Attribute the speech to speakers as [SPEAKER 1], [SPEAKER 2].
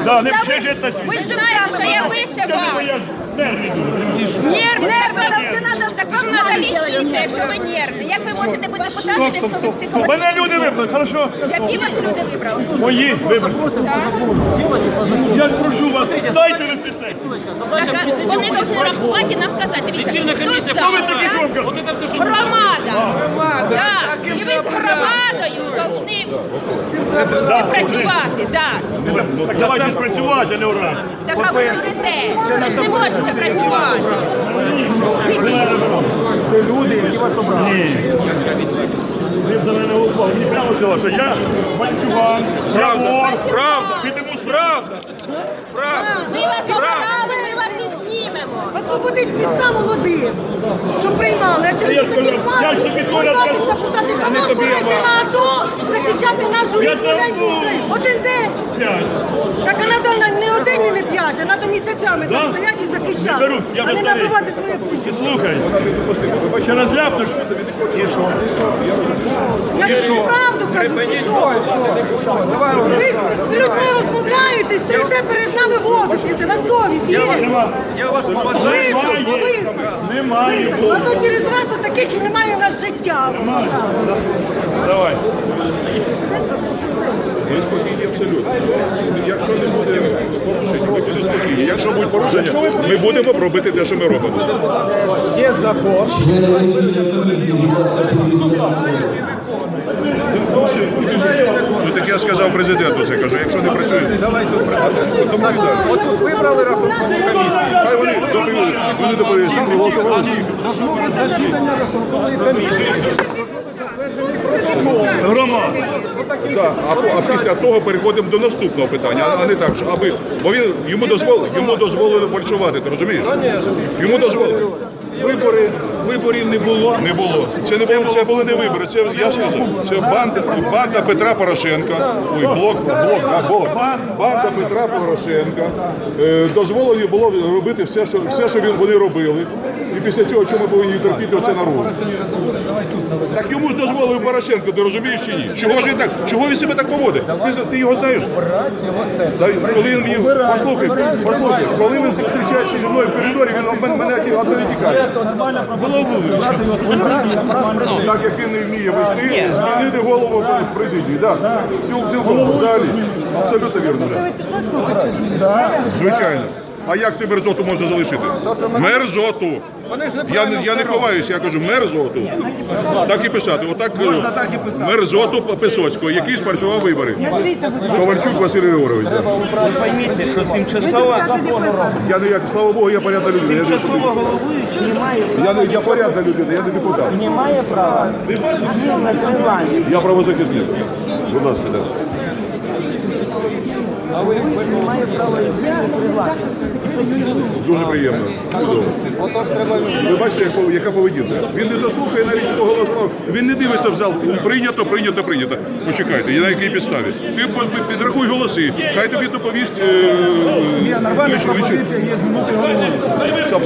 [SPEAKER 1] Да, не вчежить на світ.
[SPEAKER 2] Ви ж знаєте, що я вище вас. Нервні, так вам треба лічитися, якщо ви нервні. Як ви можете бути депутатом, якщо ви психологічні?
[SPEAKER 1] Мене люди вибрали, хорошо?
[SPEAKER 2] Які вас люди вибрали?
[SPEAKER 1] Мої вибрали. Я ж прошу вас, дайте вести сесію.
[SPEAKER 2] Так, вони повинні рахувати і нам казати. Дивіться, хто за?
[SPEAKER 1] Хто ви такі громко?
[SPEAKER 2] Громада. Так. І ви з громадою повинні працювати.
[SPEAKER 1] Так давайте спрацювати, а не уран.
[SPEAKER 2] Так а ви йдете. Ви ж не можете працювати.
[SPEAKER 3] Це люди, які вас обрали.
[SPEAKER 1] Ні. Ви за мене голосували. Мені прямо сказали, що я бандюган, я вор.
[SPEAKER 4] Правда,
[SPEAKER 1] Підемо сюди.
[SPEAKER 4] правда, правда.
[SPEAKER 2] Ми вас обрали, ми вас і знімемо.
[SPEAKER 5] Освободить міста молодих, щоб приймали. А через
[SPEAKER 1] Я
[SPEAKER 5] такі
[SPEAKER 1] сказав,
[SPEAKER 5] факти
[SPEAKER 1] я ще підходять,
[SPEAKER 5] посадити
[SPEAKER 1] я-
[SPEAKER 5] та посадити команду, йти на АТО, захищати нашу
[SPEAKER 1] Я
[SPEAKER 5] рідну
[SPEAKER 1] там
[SPEAKER 5] речку.
[SPEAKER 1] був.
[SPEAKER 5] Один день. Так а треба не один і не п'ять, а треба місяцями
[SPEAKER 1] Да?
[SPEAKER 5] там стояти і
[SPEAKER 1] Не
[SPEAKER 5] захищати,
[SPEAKER 1] беруть, я
[SPEAKER 5] а не
[SPEAKER 1] бездарний.
[SPEAKER 5] набивати своє путь.
[SPEAKER 1] І слухай, ще раз ляпнеш. І що?
[SPEAKER 5] Я тобі правду кажу, чи що? Ви з людьми розмовляєте, стоїте перед нами воду п'єте, на совість є.
[SPEAKER 1] Нема.
[SPEAKER 5] Високо.
[SPEAKER 1] Немає.
[SPEAKER 5] А то через вас отаких і немає в нас життя.
[SPEAKER 1] Давай.
[SPEAKER 4] Ми спокійні абсолютно. Якщо не буде порушень, ми будемо спокійні. Якщо будуть порушення, ми будемо робити те, що ми робимо.
[SPEAKER 3] Є закон.
[SPEAKER 4] Ну так я ж сказав президенту, це кажу, якщо не працює,
[SPEAKER 3] От вибрали рахункову комісію.
[SPEAKER 4] хай вони доповіли, вони доповіли.
[SPEAKER 3] Засідання рахункової комісії.
[SPEAKER 1] Громада.
[SPEAKER 4] Да, а після того переходимо до наступного питання, а не так, що аби, бо йому дозволили фальшувати, ти розумієш? Йому дозволили.
[SPEAKER 3] Виборів не було.
[SPEAKER 4] Не було. Це були не вибори. Це я сказав. Це банда Петра Порошенка. Ой, банда Петра Порошенка. Дозволено було робити все, що вони робили. І після цього, що ми повинні терпіти оце народ. Так йому ж дозволив Порошенко, ти розумієш чи ні? Чого він себе так поводить? Ти його знаєш? Коли він мені послухай, коли він зустрічається зі мною в коридорі, він мене від мене тікає. Так як він не вміє вести, змінити голову в президії. Цілком взагалі. Абсолютно вірно. Звичайно. А як цю мерзоту можна залишити? Мерзоту. Я не ховаюся, я кажу мерзоту. Так і писати. Отак мерзоту Писоцького, який спрацював вибори. Ковальчук Василь Григорович.
[SPEAKER 6] Поймите, що тимчасова
[SPEAKER 4] Я не як, слава Богу, я порядна людина. Я порядна людина, я не депутат.
[SPEAKER 6] не має права змін на Зеландії.
[SPEAKER 4] Я правозахисник. Будь ласка, так. Дуже приємно. Чудово. Ви бачите, яка поведінка. Він не дослухає навіть того голосу. Він не дивиться в зал. Прийнято. Почекайте, на якій підставі. Ти підрахуй голоси. Хай тобі доповість.
[SPEAKER 3] Нормальна пропозиція є змінити голову.